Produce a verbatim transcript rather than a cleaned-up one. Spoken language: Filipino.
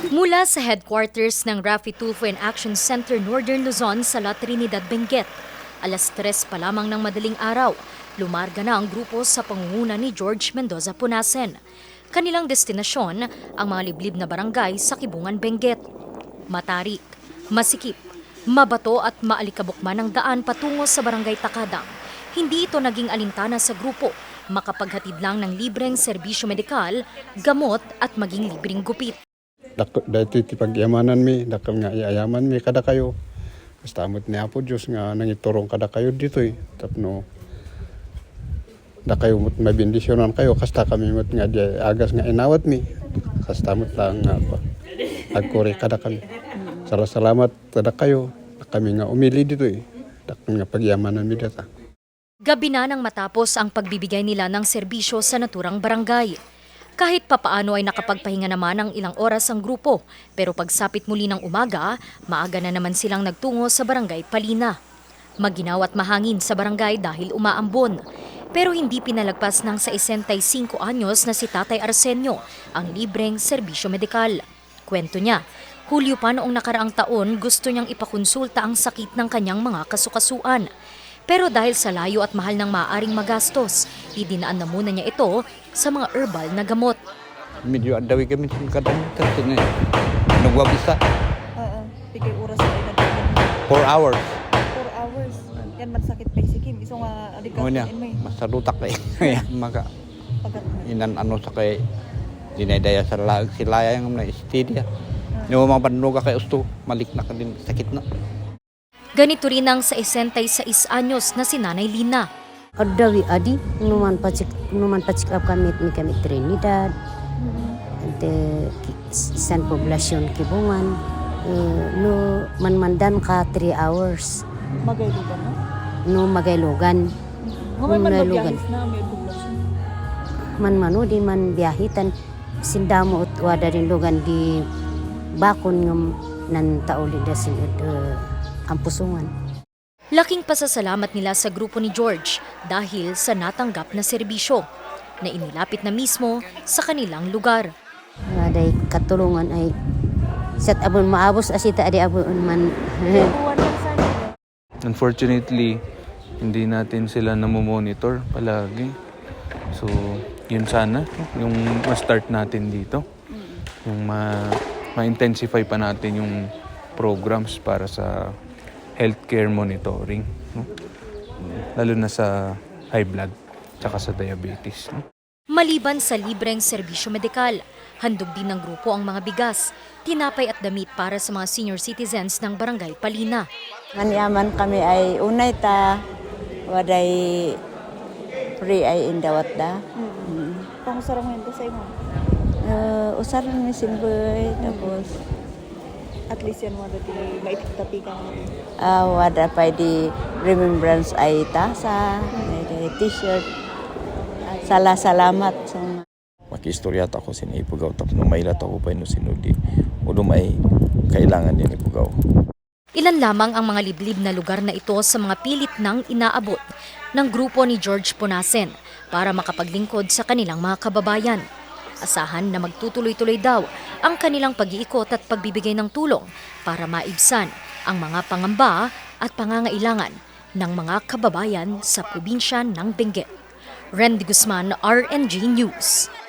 Mula sa headquarters ng Rafi Tulfo and Action Center Northern Luzon sa La Trinidad, Benguet, alas tres pa lamang ng madaling araw, lumarga na ang grupo sa pangunguna ni George Mendoza Punasen. Kanilang destinasyon ang mga liblib na barangay sa Kibungan, Benguet. Matarik, masikip, mabato at maalikabok man ang daan patungo sa barangay Takadang. Hindi ito naging alintana sa grupo, makapaghatid lang ng libreng serbisyo medikal, gamot at maging libreng gupit. Dati ti pagyamanan mi, dakal nga iayaman mi kada kayo. Kastamot ni Apo Diyos nga nangiturong kada kayo dito eh. Tapno, da kayo mo't mabindisyonan kayo, kasta kami mo't nga di agas nga inawat mi. Kastamot lang nga pa. Agkuri kada kami. Salamat kada kayo, kami nga umili dito eh. Dakal nga pagyamanan mi data. Gabi na nang matapos ang pagbibigay nila ng serbisyo sa naturang barangay. Kahit papaano ay nakapagpahinga naman ng ilang oras ang grupo, pero pagsapit muli ng umaga, maaga na naman silang nagtungo sa barangay Palina. Maginaw at mahangin sa barangay dahil umaambon. Pero hindi pinalagpas ng sesenta-y-singko anyos na si Tatay Arsenio ang libreng serbisyo medikal. Kwento niya, Hulyo pa noong nakaraang taon gusto niyang ipakonsulta ang sakit ng kanyang mga kasukasuan. Pero dahil sa layo at mahal ng maaaring magastos, idinaan na muna niya ito sa mga herbal na gamot. Medyo adawi kami sa kadang kasi nga nagwabisa. Oo, pigay oras na inagdagan. Four hours. Four hours. Yan man sakit pa isikim. Iso nga adikas Ano niya, in may masalutak na eh. Maka pagat na. inan ano sa kay dinadaya sa lag silaya yung na istidia. Yung mga panuga kay usto, malik na ka din sakit na. Ganito rin ang sesenta-y-sais anyos na si Nanay Lina. Adawi adi, numan pacik numan pacik up kami ni kami Trinidad. Ante San Poblacion Kibungan. Eh, no manmandan ka three hours. Magaylugan na. No magaylogan. Ngayon man Magaylogan. magbiyahis na may poblasyon. Man mano di man biyahitan sindamo ut wada rin lugan di bakon ngam nan tauli da sin uh, Ampusungan. Laking pasasalamat nila sa grupo ni George dahil sa natanggap na serbisyo na inilapit na mismo sa kanilang lugar. Aday katulungan ay set abon maabos asita adi abon man. Buwan lang sana. Unfortunately, hindi natin sila namomonitor palagi. So, yun sana, yung ma-start natin dito. Yung ma- ma-intensify pa natin yung programs para sa healthcare monitoring. No? Lalo na sa high blood, tsaka sa diabetes. No? Maliban sa libreng serbisyo medikal, handog din ng grupo ang mga bigas, tinapay at damit para sa mga senior citizens ng Barangay Palina. Manyaman kami ay unay ta, waday free ay indawat da. Mm. Pangusarang mo sa imo. Uh, usaran mi simboy, tapos At least yan mo dati maitik-tapi ka mo. uh, wada pa di remembrance ay tasa, ay t-shirt. Sala salamat sa mga Makistorya ako sin ipugaw tapos no mailat ako pa no sinudi. Udo may kailangan din ipugaw. Ilan lamang ang mga liblib na lugar na ito sa mga pilit nang inaabot ng grupo ni George Punasen para makapaglingkod sa kanilang mga kababayan. Asahan na magtutuloy-tuloy daw ang kanilang pag-iikot at pagbibigay ng tulong para maibsan ang mga pangamba at pangangailangan ng mga kababayan sa probinsya ng Benguet. Randy Guzman, R N G News.